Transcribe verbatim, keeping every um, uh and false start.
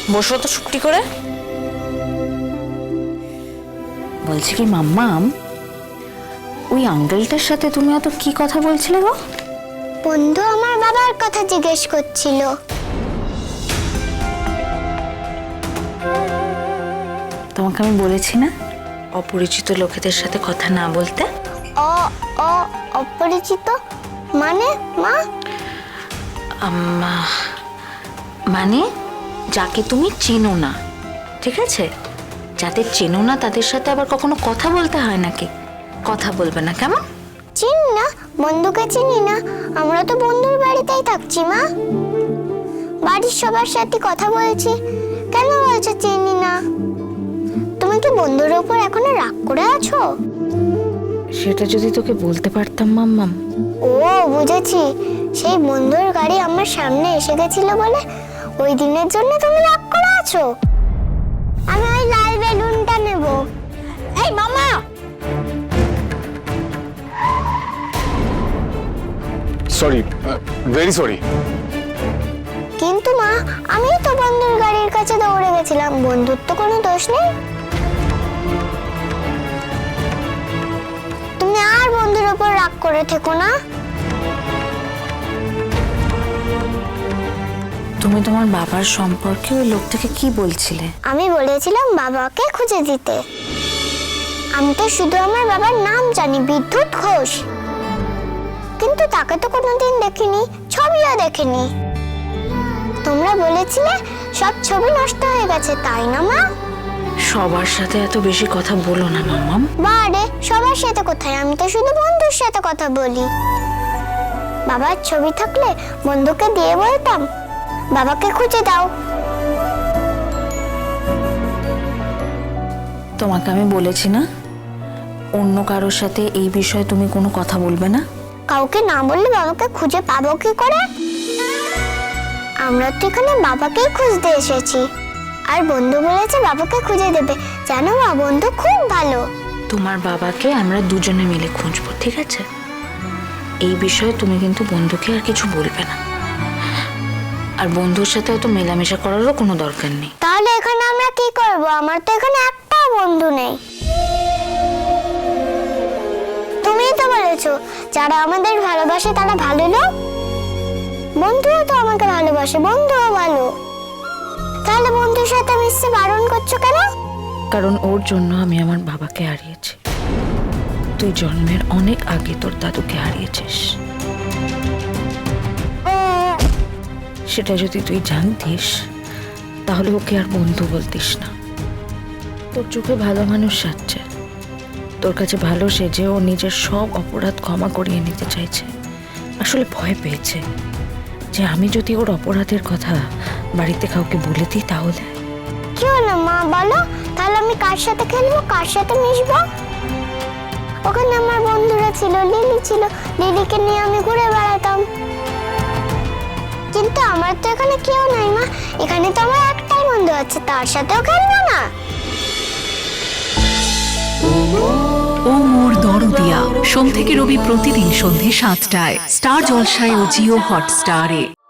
বসো তো চুপটি করে। বলছি কি মাম্মাম, ওই আঙ্কেলটার সাথে তুমি এত কি কথা বলছিলে গো? বন্ধু আমার বাবার কথা জিজ্ঞেস করছিল। তোমাকে আমি বলেছি না অপরিচিত লোকেদের সাথে কথা না বলতে। অ অ অপরিচিত মানে মা? আম্মা, মানে যাকে তুমি চেনো না, ঠিক আছে? যাদের চেনো না তাদের সাথে আবার কখনো কথা বলতে হয় নাকি? কথা বলবে না কেমন? চিনি না, বন্ধুকে চিনি না। আমরা তো বন্ধুর বাড়িতেই থাকছি মা, বাড়ির সবার সাথে কথা বলছি। কেন বলছো চিনি না? তুমি কি বন্ধুর উপর এখনো রাগ করে আছো? সেটা যদি তোকে বলতে পারতাম মাম্মাম। ও বুঝেছি, সেই বন্ধুর গাড়ি আমার সামনে এসে গেছিল বলে ওই দিনের জন্য তুমি রাগ করে আছো। আমি ওই লাল বেলুনটা নেব। এই মামা, সরি, ভেরি সরি। কিন্তু মা, আমি তো বন্ধুর গাড়ির কাছে দৌড়ে গেছিলাম, বন্ধুর তো কোনো দোষ নেই। তুমি আর বন্ধুর উপর রাগ করে থেকো না। তুমি তোমার বাবার সম্পর্কে ওই লোকটাকে কি বলছিলে? আমি বলেছিলাম বাবাকে খুঁজে দিতে। আমি তো শুধু আমার বাবার নাম জানি, বিদ্যুৎ ঘোষ, কিন্তু তাকে তো কোনোদিন দেখিনি, ছবিও দেখিনি। তোমরা বলেছিলে সব ছবি নষ্ট হয়ে গেছে, তাই না মা? সবার সাথে এত বেশি কথা বলো না মাম্মাম। বারে, সবার সাথে কোথায়? আমি তো শুধু বন্ধুর সাথে কথা বলি। বাবার ছবি থাকলে বন্ধুকে দিয়ে বলতাম বাবাকে খুঁজে দাও। তোমাকে আমি বলেছি না অন্য কারোর সাথে এই বিষয়ে তুমি কোনো কথা বলবে না। কাউকে না বললে বাবাকে খুঁজে পাবো কি করে? আমরা তো এখানে বাবাকেই খুঁজতে এসেছি, আর বন্ধু বলেছে বাবাকে খুঁজে দেবে। জানো মা, বন্ধু খুব ভালো। তোমার বাবাকে আমরা দুজনে মিলে খুঁজবো, ঠিক আছে? এই বিষয়ে তুমি কিন্তু বন্ধুকে আর কিছু বলবে না, আর বন্ধুর সাথে হয়তো মেলামেশা করারও কোনো দরকার নেই। তাহলে এখানে আমরা কি করব? আমার তো এখানে একটাও বন্ধু নেই। তুমিই তো বলেছো যারা আমাদের ভালোবাসে তারা ভালো লোক। বন্ধুও তো আমাকে ভালোবাসে, বন্ধুও ভালো। তাহলে বন্ধুর সাথে মিশতে বারণ করছো কেন? কারণ ওর জন্য আমি আমার বাবাকে হারিয়েছি। তুই জন্মের অনেক আগে তোর দাদুকে হারিয়েছিস। সেটা যদি তুই জানতিস তাহলে ওকে আর বন্ধু বলতিস না। তোর চোখে ভালো মানুষ সাজছে, তোর কাছে ভালো সেজে ও নিজের সব অপরাধ ক্ষমা করিয়ে নিতে চাইছে। আসলে ভয় পেয়েছে যে আমি যদি ওর অপরাধের কথা বাড়িতে কাউকে বলে দিই তাহলে। কি হলো মা, বলো? তাহলে আমি কার সাথে খেলবো, কার সাথে মিশবো? ওখানে আমার বন্ধুরা ছিল, লিলি ছিল, লিলিকে নিয়ে আমি ঘুরে বেড়াতাম। কিন্তু আমার তো এখানে কেউ নাই মা, এখানে তো আমার একটাই বন্ধু আছে, তার সাথেও খেলবো না। ও মোর দরদিয়া, সোম থেকে রবি প্রতিদিন সন্ধে সাতটায় স্টার জলসায় ও জিও হটস্টারে।